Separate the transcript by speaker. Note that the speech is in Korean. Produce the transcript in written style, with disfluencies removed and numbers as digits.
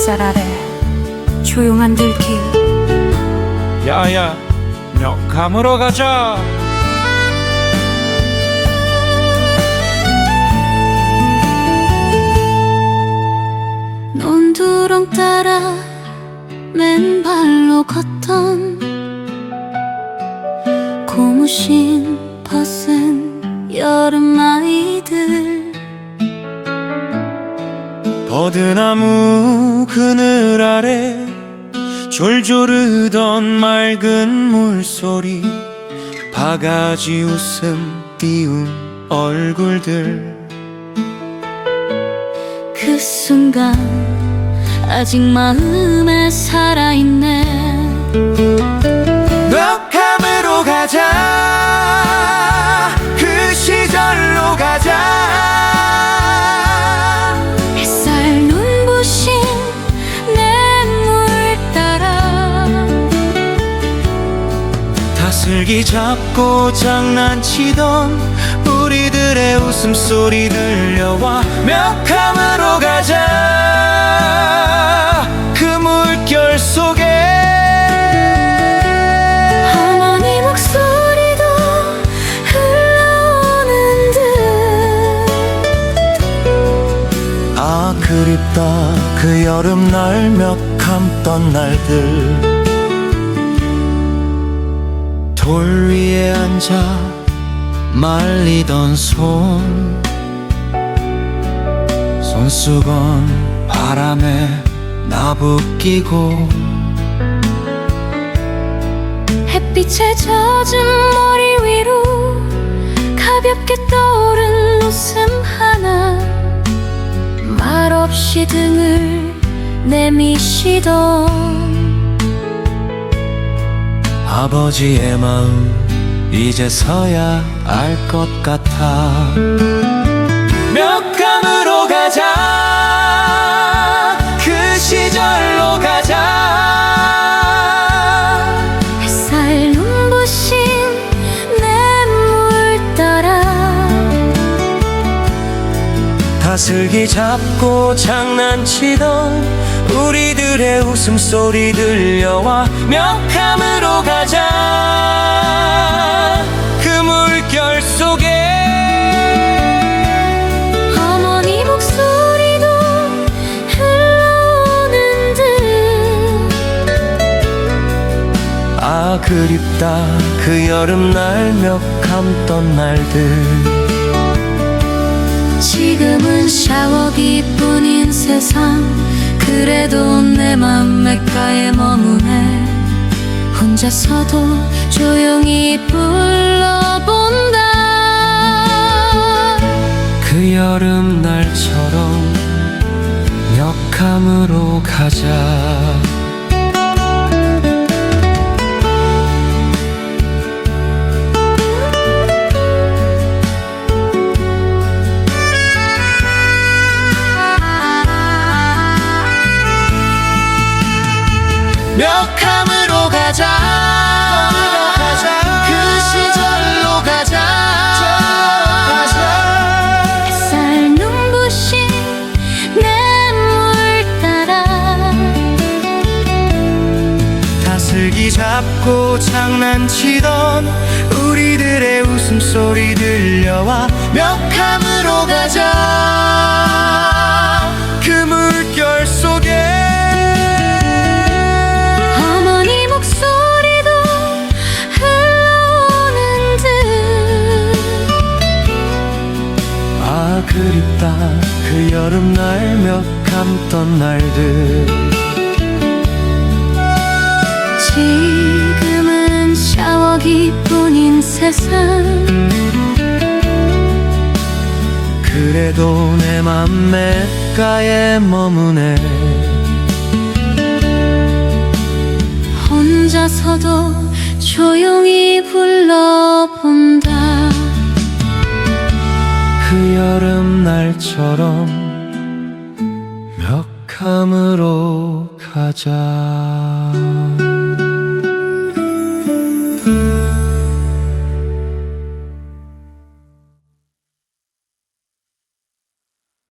Speaker 1: 햇살 아래 조용한 들길.
Speaker 2: 야야, 멱감으로 가자.
Speaker 1: 논두렁 따라 맨발로 걷던 고무신 벗은 여름 아이들.
Speaker 2: 버드나무 그늘 아래 졸졸 흐던 맑은 물소리, 바가지 웃음 띄운 얼굴들.
Speaker 1: 그 순간 아직 마음에 살아있네.
Speaker 2: 멱감으로 가자, 그 시절로 가자.
Speaker 1: 햇살 눈부신 냇물 따라
Speaker 2: 다슬기 잡고 장난치던 우리들의 웃음소리 들려와. 멱감으로 가자, 그 물결 속에
Speaker 1: 어머니 목소리도 흘러오는 듯.
Speaker 2: 아 그립다 그 여름날 멱감던 날들. 돌 위에 앉아 말리던 손수건 바람에 나부끼고.
Speaker 1: 햇빛에 젖은 머리 위로 가볍게 떠오른 웃음 하나, 말없이 등을 내미시던
Speaker 2: 아버지의 마음 이제서야 알 것 같아. 멱감으로 가자, 그 시절로 가자.
Speaker 1: 햇살 눈부신 냇물 따라
Speaker 2: 다슬기 잡고 장난치던 우리들의 웃음소리 들려와. 멱감으로 가자, 그 물결 속에
Speaker 1: 어머니 목소리도 흘러오는 듯.
Speaker 2: 아 그립다 그 여름날 멱감던 날들.
Speaker 1: 지금은 샤워기뿐인 세상, 그래도 내 맘 냇가에 머무네. 혼자서도 조용히 불러본다.
Speaker 2: 그 여름날처럼 멱감으로 가자. 멱감으로 가자, 그 시절로 가자.
Speaker 1: 햇살 눈부신 냇물 따라
Speaker 2: 다슬기 잡고 장난치던 우리들의 웃음소리 들려와. 멱감으로 가자, 그 물결 속에
Speaker 1: 어머니 목소리도 흘러오는 듯.
Speaker 2: 아 그립다 그 여름날 멱감던 날들.
Speaker 1: 지금은 샤워기뿐인 세상,
Speaker 2: 그래도 내 맘 냇가에 머무네.
Speaker 1: 혼자서도 조용히 불러본다.
Speaker 2: 그 여름날처럼 멱감으로 가자.